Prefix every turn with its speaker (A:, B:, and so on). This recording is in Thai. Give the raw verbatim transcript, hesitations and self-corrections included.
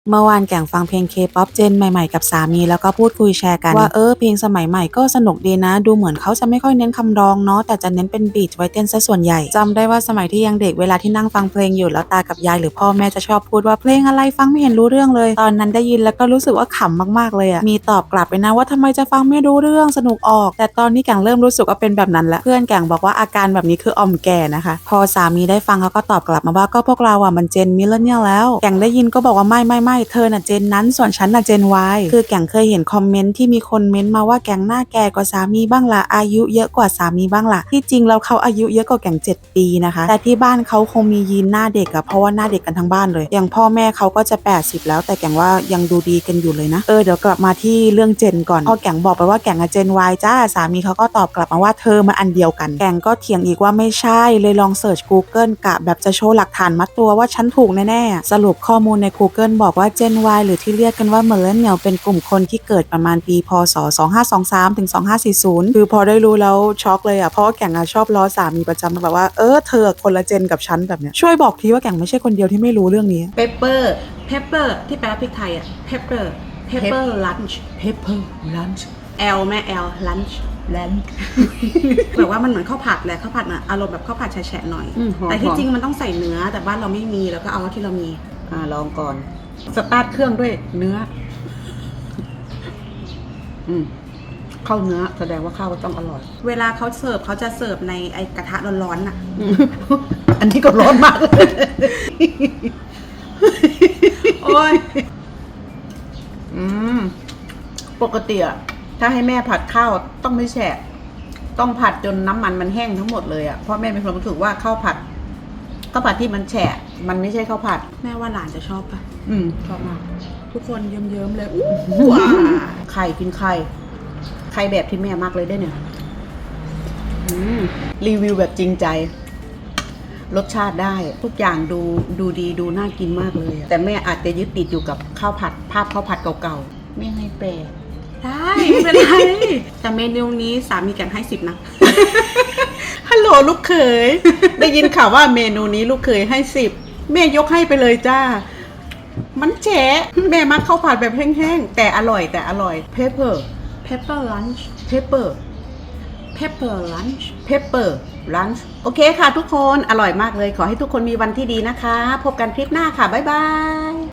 A: เมื่อวานแก่งฟังเพลง K-pop เจนใหม่ๆกับสามีแล้วก็พูดคุยแชร์กันว่าเออเพลงสมัยใหม่ก็สนุกดีนะดูเหมือนเขาจะไม่ค่อยเน้นคำร้องเนาะแต่จะเน้นเป็นบีทไว้เต้นซะส่วนใหญ่จำได้ว่าสมัยที่ยังเด็กเวลาที่นั่งฟังเพลงอยู่แล้วตากับยายหรือพ่อแม่จะชอบพูดว่าเพลงอะไรฟังไม่เห็นรู้เรื่องเลยตอนนั้นได้ยินแล้วก็รู้สึกว่าขำมากๆเลยอะมีตอบกลับไปนะว่าทำไมจะฟังไม่รู้เรื่องสนุกออกแต่ตอนนี้แก่งเริ่มรู้สึกว่าเป็นแบบนั้นแล้วเพื่อนแก่งบอกว่าอาการแบบนี้คืออ่อมแก่นะคะพอสามีได้ฟังเขาก็ตอบกลับมาว่าก็พวกเราอะมันเจนมิลเลนเนียลแล้วแก่งได้ยินก็บอกว่าไม่ไม่ไม่เธอน่ะเจนนั้นส่วนฉันน่ะเจน Y คือแก่งเคยเห็นคอมเมนต์ที่มีคนเม้นต์มาว่าแก่งหน้าแก่กว่าสามีบ้างล่ะอายุเยอะกว่าสามีบ้างล่ะที่จริงแล้วเขาอายุเยอะกว่าแก่งเจ็ดปีนะคะแต่ที่บ้านเขาคงมียีนหน้าเด็กอะเพราะว่าหน้าเด็กกันทั้งบ้านเลยอย่างพ่อแม่เขาก็จะแปดสิบแล้วแต่แก่งว่ายังดูดีกันอยู่เลยนะเออเดี๋ยวกลับมาที่เรื่องเจนก่อนพอแก่งบอกไปว่าแก่งอะเจน Y จ้าสามีเขาก็ตอบกลับมาว่าเธอมันอันเดียวกันแก่งก็เถียงอีกว่าไม่ใช่เลยลองเสิร์ช Google กะแบบจะโชว์หลักฐานมัดตัวว่าฉันถูกแน่ๆสรุปข้อมูลใน Google บอกว่า Gen Y หรือที่เรียกกันว่า Millennial เป็นกลุ่มคนที่เกิดประมาณปีพศสองพันห้าร้อยยี่สิบสามถึงสองพันห้าร้อยสี่สิบคือพอได้รู้แล้วช็อกเลยอ่ะเพราะว่าแก่งอะชอบล้อสามีประจำแบบว่าเออเธอคนละเจนกับฉันแบบเนี้ยช่วยบอกทีว่าแก่งไม่ใช่คนเดียวที่ไม่รู้เรื่องนี้
B: pepper pepper ที่แปลว่าพริกไทยอ่ะ pepper pepper lunch
C: pepper lunch
B: L แม่ L lunch
C: lunch
B: แบบว่ามันเหมือนข้าวผัดแหละข้าวผัดอ่ะอารมณ์แบบข้าวผัดแฉะๆหน่อย
C: อืมหอม
B: แต่ที่จริงมันต้องใส่เนื้อแต่บ้านเราไม่มีแล้วก็เอาที่เรามี
C: อ่าลองก่อน สตาร์ทเครื่องด้วยเนื้อ อืมเข้าเนื้อแสดงว่าข้าวก็ต้องอร่อย
B: เวลาเขาเสิร์ฟเขาจะเสิร์ฟในไอกระทะร้อนๆน่ะ
C: อันนี้ก็ร้อนมากเลย
B: โอ้ย
C: อืมปกติอะถ้าให้แม่ผัดข้าวต้องไม่แฉะต้องผัดจนน้ำมันมันแห้งทั้งหมดเลยอะเพราะแม่เป็นคนรู้สึกว่าข้าวผัดข้าวผัดที่มันแฉะมันไม่ใช่ข้าวผัด
B: แม่ว่าหลานจะชอบปะ
C: อืมชอบมาก
B: ทุกคนเยิ้มๆเลยอู้ว้า
C: ไข่กินไข่ไข่แบบที่แม่มากเลยได้เนี่ยอืมรีวิวแบบจริงใจ รสชาติได้ทุกอย่างดูดูดีดูน่ากินมากเลยอะแต่แม่อาจจะยึดติดอยู่กับข้าวผัดภาพข้าวผัดเก่าๆไม่ให้แปล
B: ได้ไม่เป็นไรแต่เมนูนี้สามีแกงให้สิบนะ
C: ฮัลโหลลูกเขย ได้ยินข่าวว่าเมนูนี้ลูกเขยให้สิบแม่ยกให้ไปเลยจ้า มันแฉะแม่มักข้าวผัดแบบแห้งๆแต่อร่อยแต่อร่อย pepper
B: pepper lunch
C: pepper
B: pepper lunch
C: pepper lunch โอเคค่ะทุกคนอร่อยมากเลยขอให้ทุกคนมีวันที่ดีนะคะ พบกันคลิปหน้าค่ะ บ๊ายบาย